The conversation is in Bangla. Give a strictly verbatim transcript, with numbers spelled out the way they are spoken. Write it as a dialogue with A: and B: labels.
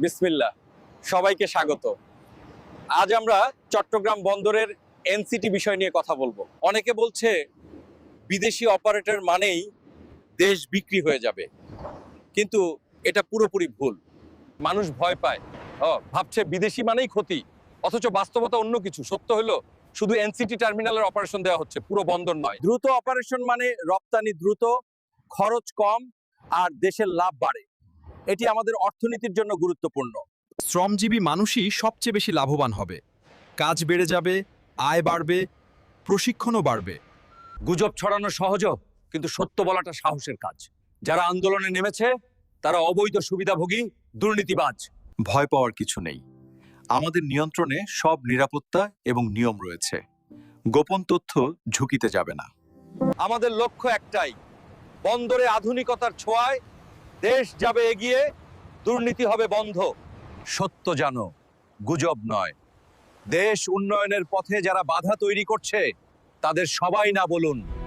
A: বিসমিল্লাহ, সবাইকে স্বাগত। আজ আমরা চট্টগ্রাম বন্দরের এনসিটি বিষয় নিয়ে কথা বলবো। অনেকে বলছে বিদেশি অপারেটর মানেই দেশ বিক্রি হয়ে যাবে, কিন্তু এটা পুরোপুরি ভুল। মানুষ ভয় পায়, ও ভাবছে বিদেশি মানেই ক্ষতি, অথচ বাস্তবতা অন্য কিছু। সত্য হলো শুধু এনসিটি টার্মিনালের অপারেশন দেওয়া হচ্ছে, পুরো বন্দর নয়। দ্রুত অপারেশন মানে রপ্তানি দ্রুত, খরচ কম আর দেশের লাভ বাড়ে। এটি আমাদের অর্থনীতির জন্য গুরুত্বপূর্ণ।
B: শ্রমজীবী মানুষই সবচেয়ে বেশি লাভবান হবে। কাজ বেড়ে যাবে, আয় বাড়বে, প্রশিক্ষণও বাড়বে।
A: গুজব ছড়ানো সহজ, কিন্তু সত্য বলাটা সাহসের কাজ। যারা আন্দোলনে নেমেছে তারা অবৈধ সুবিধাভোগী, দুর্নীতিবাজ।
B: ভয় পাওয়ার কিছু নেই। আমাদের নিয়ন্ত্রণে সব নিরাপত্তা এবং নিয়ম রয়েছে। গোপন তথ্য ঝুঁকিতে যাবে না।
A: আমাদের লক্ষ্য একটাই, বন্দরে আধুনিকতার ছোঁয়ায় দেশ যাবে এগিয়ে, দুর্নীতি হবে বন্ধ। সত্য জানো, গুজব নয়। দেশ উন্নয়নের পথে যারা বাধা তৈরি করছে তাদের সবাই না বলুন।